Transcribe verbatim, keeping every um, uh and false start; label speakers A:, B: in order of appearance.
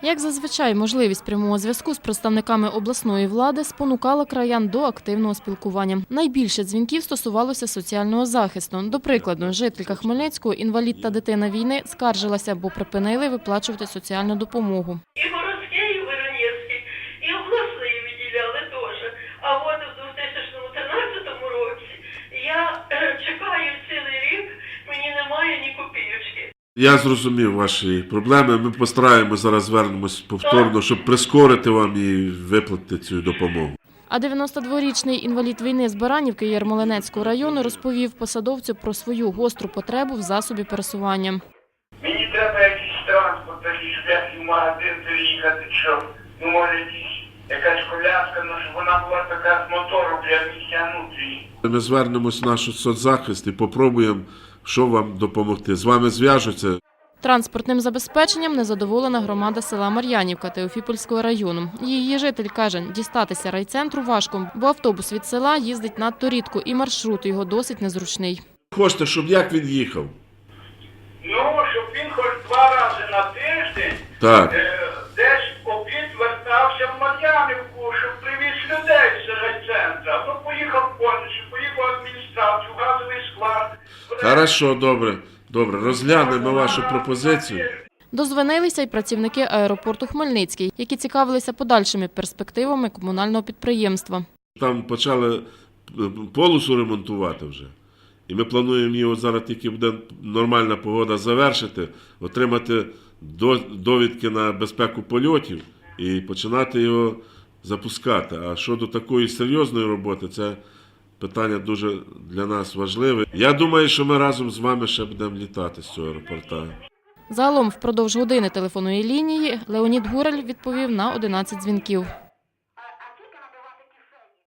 A: Як зазвичай, можливість прямого зв'язку з представниками обласної влади спонукала краян до активного спілкування. Найбільше дзвінків стосувалося соціального захисту. До прикладу, жителька Хмельницького, інвалід та дитина війни, скаржилася, бо припинили виплачувати соціальну допомогу.
B: І городський, і Воронецький, і обласний виділяли теж. А от у дві тисячі тринадцятому році я чекаю цілий рік, мені немає ні копійочки.
C: Я зрозумів ваші проблеми. Ми постараємося зараз звернемось повторно, щоб прискорити вам і виплатити цю допомогу.
A: А дев'яностодворічний інвалід війни з Баранівки Ярмолинецького району розповів посадовцю про свою гостру потребу в засобі пересування.
D: Мені треба якийсь транспорт, щоб я в магазин приїхати, щоб, ну, може, якісь, якась коляска, ну, щоб вона була така з мотором для місця внутрі.
C: Ми звернемось в наш соцзахист і попробуємо, що вам допомогти. З вами зв'яжуться.
A: Транспортним забезпеченням незадоволена громада села Мар'янівка Теофіпольського району. Її житель каже, дістатися райцентру важко, бо автобус від села їздить надто рідко і маршрут його досить незручний.
C: Хочете, щоб як він їхав?
D: Ну, щоб він хоч два рази на тиждень
C: Так.
D: е, десь обід вертався в Мар'янівку, щоб привіз людей з райцентру. А то поїхав повністю, поїхав в адміністрацію, газовий склад.
C: Хорошо, добре. Добре, розглянемо вашу пропозицію.
A: Дозвонилися й працівники аеропорту Хмельницький, які цікавилися подальшими перспективами комунального підприємства.
C: Там почали полосу ремонтувати вже. І ми плануємо його зараз, тільки буде нормальна погода, завершити, отримати довідки на безпеку польотів і починати його запускати. А щодо такої серйозної роботи, це питання дуже для нас важливе. Я думаю, що ми разом з вами ще будемо літати з цього аеропорту.
A: Загалом впродовж години телефонної лінії Леонід Гураль відповів на одинадцять дзвінків.